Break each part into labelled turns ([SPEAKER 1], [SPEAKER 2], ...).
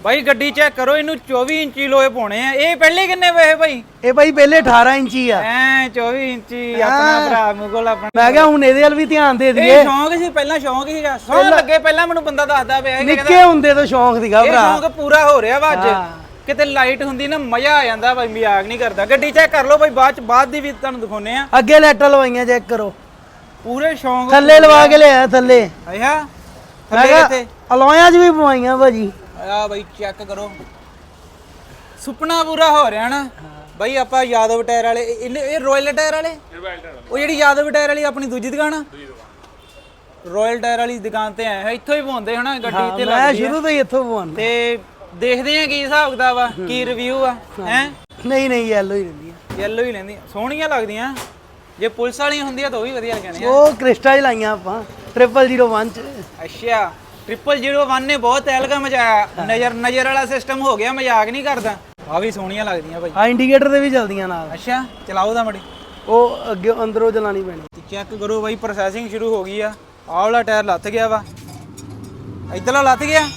[SPEAKER 1] भाई गड्डी चेक करो इनू 24 इंची लोए पाने हैं। ये पहले किन्ने पैसे भाई?
[SPEAKER 2] ਇਹ ਬਾਈ ਪਹਿਲੇ 18 ਇੰਚੀ ਆ।
[SPEAKER 1] 24 इंची अपना भरा मुगल अपना।
[SPEAKER 2] ਮੈਂ ਕਿਹਾ ਹੁਣ ਇਹਦੇ ਵੱਲ ਵੀ ਧਿਆਨ ਦੇ ਦਈਏ।
[SPEAKER 1] ਇਹ ਸ਼ੌਂਕ ਸੀ ਪਹਿਲਾਂ ਸ਼ੌਂਕ ਸੀਗਾ। ਸੌਣ ਲੱਗੇ ਪਹਿਲਾਂ ਮੈਨੂੰ ਬੰਦਾ ਦੱਸਦਾ ਪਿਆ ਸੀ
[SPEAKER 2] ਨਿੱਕੇ ਹੁੰਦੇ ਤੋਂ ਸ਼ੌਂਕ ਸੀਗਾ
[SPEAKER 1] ਇਹ
[SPEAKER 2] ਭਰਾ।
[SPEAKER 1] ਸ਼ੌਂਕ ਪੂਰਾ ਹੋ ਰਿਹਾ ਵਾ ਅੱਜ। ਕਿਤੇ ਲਾਈਟ ਹੁੰਦੀ ਨਾ ਮਜ਼ਾ ਆ ਜਾਂਦਾ ਬਾਈ, ਮਜ਼ਾਕ ਨਹੀਂ ਕਰਦਾ। ਗੱਡੀ ਚੈੱਕ ਕਰ ਲਓ ਬਾਈ, ਬਾਅਦ ਦੀ ਵੀ ਤੁਹਾਨੂੰ ਦਿਖਾਉਨੇ ਆ।
[SPEAKER 2] ਅੱਗੇ ਲਾਈਟਾਂ ਲਵਾਈਆਂ ਚੈੱਕ ਕਰੋ।
[SPEAKER 1] ਪੂਰੇ ਸ਼ੌਂਕ
[SPEAKER 2] ਥੱਲੇ ਲਵਾ ਕੇ ਲਿਆਇਆ ਥੱਲੇ।
[SPEAKER 1] ਆਇਆ
[SPEAKER 2] ਮੈਂ
[SPEAKER 1] ਥੱਲੇ
[SPEAKER 2] ਕਿਹਾ
[SPEAKER 1] ਕਿੱਥੇ?
[SPEAKER 2] ਅਲੋਇਆਂ 'ਚ ਵੀ ਪਵਾਈਆਂ ਭਾਜੀ।
[SPEAKER 1] ਆ ਬਾਈ ਚੈੱਕ ਕਰੋ, ਸੁਪਨਾ ਪੂਰਾ ਹੋ ਰਿਹਾ ਨਾ ਬਾਈ। ਆਪਾਂ ਯਾਦਵ ਟਾਇਰ ਵਾਲੇ ਇਹ ਰਾਇਲ ਟਾਇਰ ਵਾਲੇ, ਉਹ ਜਿਹੜੀ ਯਾਦਵ ਟਾਇਰ ਵਾਲੀ ਆਪਣੀ ਦੂਜੀ ਦੁਕਾਨ ਆ, ਰਾਇਲ ਟਾਇਰ ਵਾਲੀ ਦੁਕਾਨ ਤੇ ਆਏ ਹਾਂ। ਇੱਥੋਂ ਹੀ ਪਵਾਉਂਦੇ ਹਨਾ ਗੱਡੀ ਤੇ।
[SPEAKER 2] ਮੈਂ ਸ਼ੁਰੂ ਤੋਂ ਹੀ ਇੱਥੋਂ ਪਵਾਉਂਦਾ
[SPEAKER 1] ਤੇ ਦੇਖਦੇ ਆ ਕੀ ਹਿਸਾਬ ਕਿਤਾਬ ਆ, ਕੀ ਰਿਵਿਊ ਆ। ਹੈ
[SPEAKER 2] ਨਹੀਂ ਯੈਲੋ ਹੀ ਰਹਿੰਦੀ ਆ।
[SPEAKER 1] ਯੈਲੋ ਹੀ ਲੈਂਦੀ, ਸੋਹਣੀਆਂ ਲੱਗਦੀਆਂ। ਜੇ ਪੁਲਿਸ ਵਾਲੀਆਂ ਹੁੰਦੀਆਂ ਤਾਂ ਉਹ ਵੀ ਵਧੀਆ ਲੱਗਣੀਆਂ।
[SPEAKER 2] ਉਹ ਕ੍ਰਿਸਟਾ ਹੀ ਲਾਈਆਂ ਆਪਾਂ 0001 ਚ।
[SPEAKER 1] ਅੱਛਾ 0001 ਨੇ ਬਹੁਤ ਤਹਿਲਕਾ ਮਚਾਇਆ। ਨਜ਼ਰ ਵਾਲਾ ਸਿਸਟਮ ਹੋ ਗਿਆ, ਮਜ਼ਾਕ ਨਹੀਂ ਕਰਦਾ। ਆ ਵੀ ਸੋਹਣੀਆਂ ਲੱਗਦੀਆਂ ਭਾਈ।
[SPEAKER 2] ਆ ਇੰਡੀਕੇਟਰ ਤੇ ਵੀ ਚੱਲਦੀਆਂ ਨਾਲ।
[SPEAKER 1] ਅੱਛਾ ਚਲਾਓ ਦਾ ਮੜੀ,
[SPEAKER 2] ਉਹ ਅੱਗੇ ਅੰਦਰੋਂ ਚਲਾਣੀ ਪੈਣੀ।
[SPEAKER 1] ਚੈੱਕ ਕਰੋ ਬਾਈ, ਪ੍ਰੋਸੈਸਿੰਗ ਸ਼ੁਰੂ ਹੋ ਗਈ ਆ। ਆਹ ਵਾਲਾ ਟਾਇਰ ਲੱਥ ਗਿਆ ਵਾ, ਇੱਧਰਲਾ ਲੱਥ ਗਿਆ,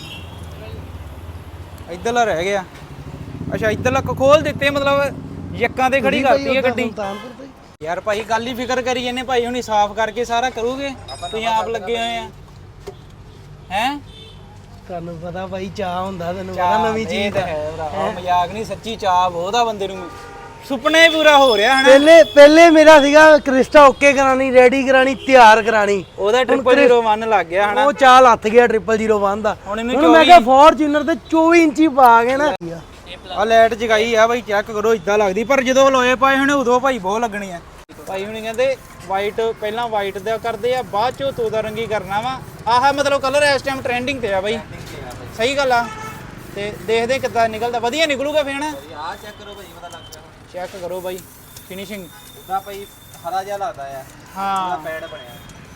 [SPEAKER 1] ਇੱਧਰਲਾ ਰਹਿ ਗਿਆ। ਅੱਛਾ ਇੱਧਰਲਾ ਖੋਲ ਦਿੱਤੇ, ਮਤਲਬ ਯੱਕਾਂ ਤੇ ਖੜੀ ਕਰਤੀ ਹੈ ਗੱਡੀ। ਯਾਰ ਭਾਈ ਗੱਲ ਹੀ ਫਿਕਰ ਕਰੀ ਜਾਂਦੇ ਭਾਈ, ਹੁਣੀ ਸਾਫ਼ ਕਰਕੇ ਸਾਰਾ ਕਰੋਗੇ। ਤੁਸੀਂ ਆਪ ਲੱਗੇ ਹੋਏ ਆ ਹੈ।
[SPEAKER 2] ਤੁਹਾਨੂੰ ਪਤਾ ਭਾਈ ਚਾਹ ਹੁੰਦਾ, ਤੈਨੂੰ ਪਤਾ ਨਵੀਂ ਚੀਜ਼ ਦਾ
[SPEAKER 1] ਹੈ ਭਰਾ। ਮਜ਼ਾਕ ਨਹੀਂ, ਸੱਚੀ ਚਾਹ ਬਹੁਤ ਆ ਬੰਦੇ ਨੂੰ। ਸੁਪਨਾ ਹੀ ਪੂਰਾ ਹੋ ਰਿਹਾ ਹਨਾ।
[SPEAKER 2] ਪਹਿਲੇ ਮੇਰਾ ਸੀਗਾ ਕ੍ਰਿਸਟਾ ਓਕੇ ਕਰਾਣੀ, ਰੈਡੀ ਕਰਾਣੀ, ਤਿਆਰ ਕਰਾਣੀ।
[SPEAKER 1] ਉਹਦਾ 0001 ਲੱਗ ਗਿਆ ਹਨਾ।
[SPEAKER 2] ਉਹ ਚਾਹ ਲੱਥ ਗਿਆ 0001 ਦਾ।
[SPEAKER 1] ਹੁਣ
[SPEAKER 2] ਮੈਂ ਕਿਹਾ ਫੋਰਚੂਨਰ ਤੇ 24 ਇੰਚੀ ਪਾ ਕੇ ਨਾ
[SPEAKER 1] ਆ ਲਾਈਟ ਜਗਾਈ ਆ ਬਾਈ, ਚੈੱਕ ਕਰੋ। ਇਦਾਂ ਲੱਗਦੀ, ਪਰ ਜਦੋਂ ਲੋਏ ਪਾਏ ਹੋਣੇ ਉਦੋਂ ਭਾਈ ਬਹੁਤ ਲੱਗਣੀ ਆ। ਭਾਈ ਹੁਣੀ ਕਹਿੰਦੇ ਵਾਈਟ, ਪਹਿਲਾਂ ਵਾਈਟ ਦਾ ਕਰਦੇ ਆ, ਬਾਅਦ ਚੋਂ ਤੋਦਾ ਰੰਗੀ ਕਰਨਾ ਵਾ। ਆਹ ਮਤਲਬ ਕਲਰ ਇਸ ਟਾਈਮ ਟ੍ਰੈਂਡਿੰਗ ਤੇ ਆ ਬਾਈ। ਸਹੀ ਗੱਲ ਆ। ਤੇ ਦੇਖਦੇ ਕਿੱਦਾਂ ਨਿਕਲਦਾ, ਵਧੀਆ ਨਿਕਲੂਗਾ ਫੇਰ ਨਾ।
[SPEAKER 3] ਆ ਚੈੱਕ ਕਰੋ ਭਾਈ, ਪਤਾ ਲੱਗ ਗਿਆ।
[SPEAKER 1] ਚੈੱਕ ਕਰੋ ਬਾਈ ਫਿਨਿਸ਼ਿੰਗ
[SPEAKER 3] ਉਹਦਾ ਭਾਈ ਹਰਾ ਜਿਹਾ ਲੱਗਦਾ ਆ।
[SPEAKER 1] ਹਾਂ
[SPEAKER 3] ਪੈਡ ਬਣਿਆ।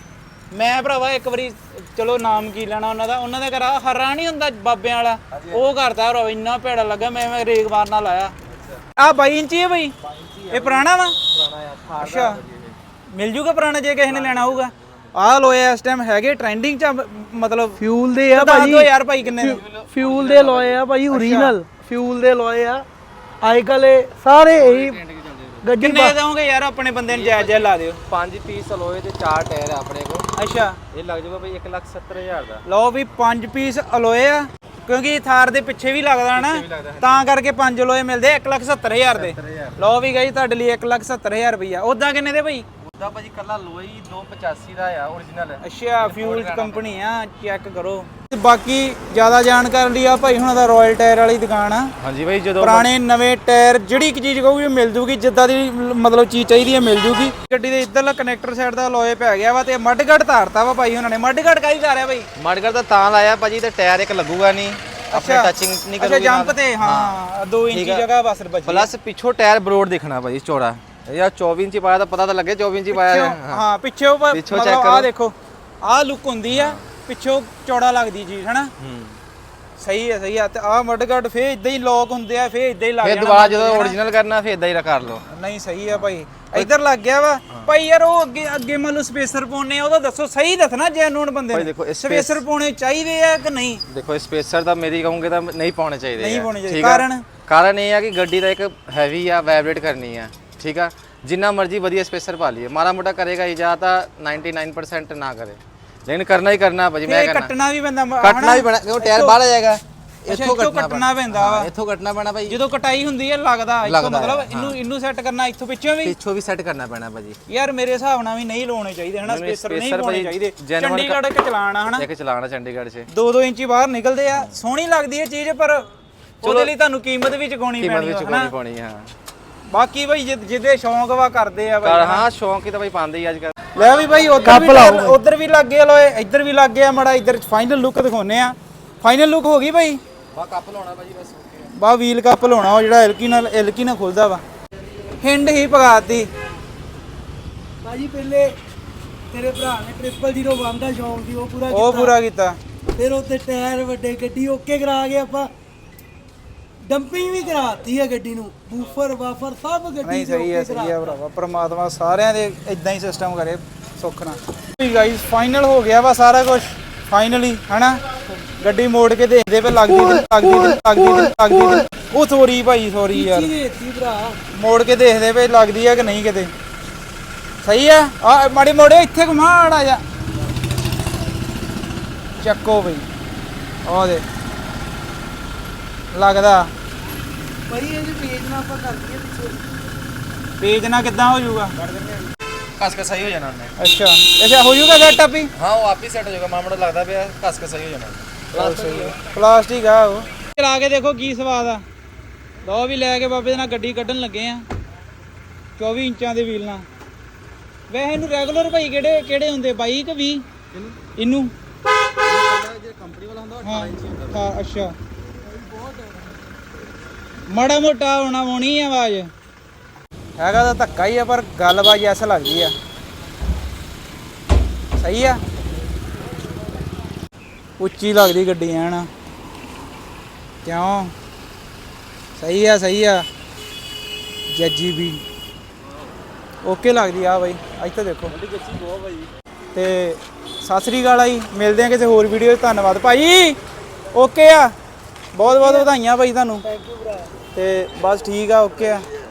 [SPEAKER 1] ਮੈਂ ਭਰਾਵਾ ਇੱਕ ਵਾਰੀ, ਚਲੋ ਨਾਮ ਕੀ ਲੈਣਾ ਉਹਨਾਂ ਦਾ ਘਰ ਹਰਾ ਨਹੀਂ ਹੁੰਦਾ ਬਾਬਿਆਂ ਵਾਲਾ, ਉਹ ਕਰਦਾ ਭਰਾਵਾ। ਇੰਨਾ ਭੈੜਾ ਲੱਗਾ, ਮੈਂ ਰੇਗ ਮਾਰਨਾ ਲਾਇਆ। ਆ 22 ਇੰਚੀ ਹੈ ਬਾਈ, ਇਹ ਪੁਰਾਣਾ ਵਾ।
[SPEAKER 3] ਪੁਰਾਣਾ ਆ।
[SPEAKER 1] ਅੱਛਾ ਮਿਲ ਜੂਗਾ ਪੁਰਾਣਾ ਜੇ ਕਿਸੇ ਨੇ ਲੈਣਾ ਹੋਊਗਾ। ਆਹ ਲੋਏ ਇਸ ਟਾਈਮ ਹੈਗੇ ਟ੍ਰੈਂਡਿੰਗ ਚ, ਮਤਲਬ
[SPEAKER 2] ਫਿਊਲ ਦੇ ਆ
[SPEAKER 1] ਭਾਜੀ। ਯਾਰ ਭਾਈ ਕਿੰਨੇ
[SPEAKER 2] ਫਿਊਲ ਦੇ ਲੋਏ ਆ ਭਾਈ, ਓਰੀਜਨਲ ਫਿਊਲ ਦੇ ਲੋਏ ਆ। ਅੱਜ ਕੱਲ ਸਾਰੇ ਇਹੀ ਗੱਡੀ
[SPEAKER 1] ਕਿੰਨੇ ਦੋਗੇ ਯਾਰ? ਆਪਣੇ ਬੰਦੇ ਨੂੰ ਜਾਇਜ਼ ਲਾ ਦਿਓ।
[SPEAKER 3] 5 ਪੀਸ ਅਲੋਏ ਤੇ 4 ਟਾਇਰ ਆ ਆਪਣੇ ਕੋਲ।
[SPEAKER 1] ਅੱਛਾ
[SPEAKER 3] ਇਹ ਲੱਗ ਜਾਊਗਾ ਭਾਈ 1,70,000 ਦਾ।
[SPEAKER 1] ਲਓ ਵੀ 5 ਪੀਸ ਅਲੋਏ ਆ, ਕਿਉਂਕਿ ਥਾਰ ਦੇ ਪਿੱਛੇ ਵੀ ਲੱਗਦਾ ਨਾ, ਤਾਂ ਕਰਕੇ 5 ਅਲੋਏ ਮਿਲਦੇ 1,70,000 ਦੇ। ਲਓ ਵੀ ਗਈ ਤੁਹਾਡੇ ਲਈ 1,70,000 ਰੁਪਈਆ। ਉਦਾਂ ਕਿੰਨੇ ਦੇ ਭਾਈ?
[SPEAKER 3] ਉਹਦਾ ਭਾਜੀ ਕੱਲਾ ਲੋਈ 285 ਦਾ ਆ ਓਰੀਜਨਲ।
[SPEAKER 1] ਅੱਛਾ ਫਿਊਲ ਕੰਪਨੀ ਆ, ਚੈੱਕ ਕਰੋ। ਬਾਕੀ ਜ਼ਿਆਦਾ ਜਾਣਕਾਰੀ ਲਈ ਆ ਭਾਈ ਹੁਣਾਂ ਦਾ ਰਾਇਲ ਟਾਇਰ ਵਾਲੀ ਦੁਕਾਨ ਆ।
[SPEAKER 3] ਹਾਂਜੀ ਭਾਈ, ਜਦੋਂ
[SPEAKER 1] ਪੁਰਾਣੇ ਨਵੇਂ ਟਾਇਰ ਜਿਹੜੀ ਇੱਕ ਚੀਜ਼ ਕਹੋਗੇ ਮਿਲ ਜੂਗੀ, ਜਿੱਦਾਂ ਦੀ ਮਤਲਬ ਚੀਜ਼ ਚਾਹੀਦੀ ਹੈ ਮਿਲ ਜੂਗੀ। ਗੱਡੀ ਦੇ ਇੱਧਰਲਾ ਕਨੈਕਟਰ ਸਾਈਡ ਦਾ ਲੋਏ ਪੈ ਗਿਆ ਵਾ, ਤੇ ਮੱਡਗੜ ਧਾਰਤਾ ਵਾ ਭਾਈ ਉਹਨਾਂ ਨੇ। ਮੱਡਗੜ ਕਾਹਦੀ ਧਾਰਿਆ ਭਾਈ?
[SPEAKER 3] ਮੜਗੜ ਦਾ ਤਾਂ ਲਾਇਆ ਭਾਜੀ, ਤੇ ਟਾਇਰ ਇੱਕ ਲੱਗੂਗਾ ਨਹੀਂ, ਆਪਣੇ ਟੱਚਿੰਗ ਨਹੀਂ ਕਰੂਗੀ।
[SPEAKER 1] ਅੱਛਾ ਜੰਪ ਤੇ, ਹਾਂ 2 ਇੰਚੀ ਜਗ੍ਹਾ ਬਸ ਬਚੀ।
[SPEAKER 3] ਪਲੱਸ ਪਿੱਛੋਂ ਟਾਇਰ ਬਰੋਡ ਦਿਖਣਾ ਭਾਜੀ ਚੌੜਾ। ਯਾਰ 24 ਇੰਚੀ ਪਾਇਆ ਤਾਂ ਪਤਾ ਤਾਂ ਲੱਗੇ 24 ਇੰਚੀ ਪਾਇਆ।
[SPEAKER 1] ਹਾਂ ਪਿੱਛੋਂ ਮਤਲਬ ਆਹ ਦੇਖੋ, ਆਹ ਲੁੱਕ ਹੁੰਦੀ ਆ, ਪਿੱਛੋਂ ਚੌੜਾ ਲੱਗਦੀ ਚੀਜ਼ ਹਨਾ। ਸਹੀ ਆ। ਤੇ ਆਹ ਮੱਡਗੜ ਫੇਰ ਇਦਾਂ ਹੀ ਲੋਕ ਹੁੰਦੇ ਆ, ਫੇਰ ਇਦਾਂ ਹੀ ਲੱਗ
[SPEAKER 3] ਫੇਰ
[SPEAKER 1] ਜਾਣਾ।
[SPEAKER 3] ਦੁਬਾਰਾ ਜਦੋਂ ਓਰੀਜਨਲ ਕਰਨਾ ਫੇਰ ਇਦਾਂ ਹੀ ਕਰ ਲਓ।
[SPEAKER 1] ਨਹੀਂ ਸਹੀ ਆ ਭਾਈ, ਇੱਧਰ ਲੱਗ ਗਿਆ ਵਾ ਭਾਈ। ਯਾਰ ਉਹ ਅੱਗੇ ਮੰਨ ਲਓ ਸਪੇਸਰ ਪਾਉਣੇ ਆ, ਉਹਦਾ ਦੱਸੋ ਸਹੀ ਦੱਸਣਾ ਜੈਨੂਨ ਬੰਦੇ
[SPEAKER 3] ਭਾਈ
[SPEAKER 1] ਨੇ।
[SPEAKER 3] ਦੇਖੋ
[SPEAKER 1] ਸਪੇਸਰ ਪਾਉਣੇ ਚਾਹੀਦੇ ਆ ਕਿ ਨਹੀਂ?
[SPEAKER 3] ਦੇਖੋ ਸਪੇਸਰ ਤਾਂ ਮੇਰੀ ਕਹੂੰਗੇ ਤਾਂ ਨਹੀਂ ਪਾਉਣੇ ਚਾਹੀਦੇ।
[SPEAKER 1] ਨਹੀਂ ਪਾਉਣੇ ਚਾਹੀਦੇ।
[SPEAKER 3] ਕਾਰਨ ਇਹ ਆ ਕਿ ਗੱਡੀ ਦਾ ਇੱਕ ਹੈਵੀ ਆ, ਵਾਈਬ੍ਰੇਟ ਕਰਨੀ ਆ। ਠੀਕ ਆ, ਜਿੰਨਾ ਮਰਜ਼ੀ ਵਧੀਆ ਸਪੇਸਰ ਪਾ ਲਈਏ, ਮਾੜਾ ਮੋਟਾ ਕਰੇਗਾ ਹੀ, ਜਾਂ ਤਾਂ 99% ਨਾ ਕਰੇ, ਲੇਕਿਨ ਕਰਨਾ ਹੀ ਕਰਨਾ ਭਾਜੀ। ਮੈਂ ਕਹਿੰਦਾ
[SPEAKER 1] ਕੱਟਣਾ ਵੀ ਪੈਂਦਾ,
[SPEAKER 3] ਕੱਟਣਾ ਵੀ ਪੈਣਾ, ਕਿਉਂ ਟਾਇਰ ਬਾਹਰ ਆ ਜਾਏਗਾ।
[SPEAKER 1] ਇੱਥੋਂ ਕੱਟਣਾ ਪੈਂਦਾ ਵਾ।
[SPEAKER 3] ਇੱਥੋਂ ਕੱਟਣਾ ਪੈਣਾ ਭਾਈ।
[SPEAKER 1] ਜਦੋਂ ਕਟਾਈ ਹੁੰਦੀ ਹੈ ਲੱਗਦਾ ਇੱਥੋਂ, ਮਤਲਬ ਇਹਨੂੰ ਸੈੱਟ ਕਰਨਾ ਇੱਥੋਂ ਪਿੱਛੋਂ ਵੀ
[SPEAKER 3] ਸੈੱਟ ਕਰਨਾ ਪੈਣਾ ਭਾਜੀ।
[SPEAKER 1] ਯਾਰ ਮੇਰੇ ਹਿਸਾਬ ਨਾਲ ਵੀ ਨਹੀਂ ਲਾਉਣੇ ਚਾਹੀਦੇ ਹਨਾ, ਸਪੇਸਰ ਨਹੀਂ ਪਾਉਣੇ ਚਾਹੀਦੇ। ਚੰਡੀਗੜ੍ਹ ਇੱਕ ਚਲਾਣਾ ਹਨਾ,
[SPEAKER 3] ਇੱਕ ਚਲਾਣਾ ਚੰਡੀਗੜ੍ਹ 'ਚ
[SPEAKER 1] 2-2 ਇੰਚੀ ਬਾਹਰ ਨਿਕਲਦੇ ਆ। ਸੋਹਣੀ ਲੱਗਦੀ ਹੈ ਚੀਜ਼, ਪਰ ਉਹਦੇ ਲਈ ਤੁਹਾਨੂੰ ਕੀਮਤ ਵੀ ਚੁਕਾਉਣੀ
[SPEAKER 3] ਪੈਣੀ ਹਾਂ।
[SPEAKER 1] ਬਾਕੀ ਭਾਈ ਜਿਹਦੇ ਸ਼ੌਂਕ ਵਾ ਕਰਦੇ ਆ ਬਾਈ।
[SPEAKER 3] ਹਾਂ ਸ਼ੌਂਕ ਹੀ ਤਾਂ ਭਾਈ ਪਾਉਂਦੇ ਹੀ ਅੱਜ ਕੱਲ।
[SPEAKER 1] ਲੈ ਵੀ ਭਾਈ ਉਧਰ ਵੀ ਲੱਗ ਗਏ ਲੋਏ, ਇੱਧਰ ਵੀ ਲੱਗ ਗਿਆ ਮਾੜਾ। ਇੱਧਰ ਫਾਈਨਲ ਲੁੱਕ ਦਿਖਾਉਨੇ ਆ। ਫਾਈਨਲ ਲੁੱਕ ਹੋ ਗਈ ਭਾਈ।
[SPEAKER 3] ਬਾ ਕੱਪ ਲਾਉਣਾ ਭਾਜੀ ਬਸ।
[SPEAKER 1] ਬਾ ਵੀਲ ਕੱਪ ਲਾਉਣਾ, ਉਹ ਜਿਹੜਾ ਐਲਕੀ ਨਾਲ ਖੁੱਲਦਾ ਵਾ। ਹਿੰਡ ਹੀ ਪਗਾਤੀ
[SPEAKER 2] ਭਾਜੀ। ਪਹਿਲੇ ਤੇਰੇ ਭਰਾ ਨੇ 0001 ਦਾ ਸ਼ੌਂਕ ਸੀ, ਉਹ
[SPEAKER 1] ਪੂਰਾ ਕੀਤਾ।
[SPEAKER 2] ਫਿਰ ਉੱਤੇ ਟਾਇਰ ਵੱਡੇ, ਗੱਡੀ ਓਕੇ ਕਰਾ ਕੇ ਆਪਾਂ ਡੰਪਿੰਗ ਵੀ ਕਰਾਤੀ ਹੈ ਗੱਡੀ ਨੂੰ, ਬੂਫਰ ਵਾਫਰ ਸਭ ਗੱਡੀ
[SPEAKER 1] ਨਹੀਂ ਸਹੀ ਹੈ ਭਰਾਵਾ। ਪ੍ਰਮਾਤਮਾ ਸਾਰਿਆਂ ਦੇ ਇਦਾਂ ਹੀ ਸਿਸਟਮ ਕਰੇ ਸੁੱਖ ਨਾਲ। ਗਾਈਸ ਫਾਈਨਲ ਹੋ ਗਿਆ ਵਾ ਸਾਰਾ ਕੁਝ, ਫਾਈਨਲੀ ਹਨਾ। ਗੱਡੀ ਮੋੜ ਕੇ ਦੇਖਦੇ ਪਏ ਲੱਗਦੀ ਉਹ ਸੋਰੀ ਭਾਈ ਸੋਰੀ ਯਾਰ
[SPEAKER 2] ਦੇਤੀ ਭਰਾ
[SPEAKER 1] ਮੋੜ ਕੇ ਦੇਖਦੇ ਪਏ ਲੱਗਦੀ ਆ ਕਿ ਨਹੀਂ ਕਿਤੇ ਸਹੀ ਆ ਆ ਮਾੜੀ ਮੋੜੇ ਇੱਥੇ ਘੁਮਾੜ ਆ ਜਾ ਚੱਕੋ ਬਈ ਉਹ ਦੇ ਲੱਗਦਾ
[SPEAKER 2] ਭਾਈ ਇਹਦੇ ਪੇਜ ਨਾਲ ਆਪਾਂ ਕਰ ਦਈਏ ਪਿੱਛੇ
[SPEAKER 1] ਪੇਜ ਨਾ ਕਿੱਦਾਂ ਹੋ ਜਾਊਗਾ
[SPEAKER 3] कस के सही हो जाना हमने
[SPEAKER 1] ਅੱਛਾ ਅੱਛਾ ਹੋ ਜਾਊਗਾ ਸੈਟ ਆਪੀ
[SPEAKER 3] हाँ वो आप ही सेट हो जाएगा मामला लगता है कस के सही हो जाना
[SPEAKER 1] ਪਲਾਸਟਿਕ ਆ ਉਹ ਚਲਾ ਕੇ ਦੇਖੋ ਕੀ ਸਵਾਦ ਆ ਲਓ ਵੀ ਲੈ ਕੇ ਬਾਬੇ ਦੇ ਨਾਲ ਗੱਡੀ ਕੱਢਣ ਲੱਗੇ ਆ 24 ਇੰਚਾਂ ਦੇ ਵੀਲ ਨਾਲ ਵੈਸੇ ਇਹਨੂੰ ਰੈਗੂਲਰ ਭਾਈ ਕਿਹੜੇ ਹੁੰਦੇ 22 ਕਿ 20 ਇਹਨੂੰ
[SPEAKER 3] कंपनी वाला होता
[SPEAKER 1] ਹਾਂ ਹਾਂ ਅੱਛਾ ਮਾੜਾ ਮੋਟਾ ਹੋਣੀ ਆ ਆਵਾਜ਼ ਹੈਗਾ ਤਾਂ ਧੱਕਾ ਹੀ ਆ ਪਰ ਗੱਲਬਾਤ ਐਸਾ ਲੱਗਦੀ ਆ ਸਹੀ ਆ ਉੱਚੀ ਲੱਗਦੀ ਗੱਡੀ ਐਨ ਕਿਉਂ ਸਹੀ ਆ ਜੱਜੀ ਵੀ ਓਕੇ ਲੱਗਦੀ ਆ ਬਾਈ ਅੱਜ ਤਾਂ ਦੇਖੋ ਤੇ ਸਤਿ ਸ੍ਰੀ ਅਕਾਲ ਜੀ ਮਿਲਦੇ ਆ ਕਿਸੇ ਹੋਰ ਵੀਡੀਓ 'ਚ ਧੰਨਵਾਦ ਭਾਈ ਓਕੇ ਆ ਬਹੁਤ ਵਧਾਈਆਂ ਭਾਈ ਤੁਹਾਨੂੰ
[SPEAKER 2] ਥੈਂਕ ਯੂ ਭਰਾ
[SPEAKER 1] ਤੇ ਬਸ ਠੀਕ ਆ ਓਕੇ ਆ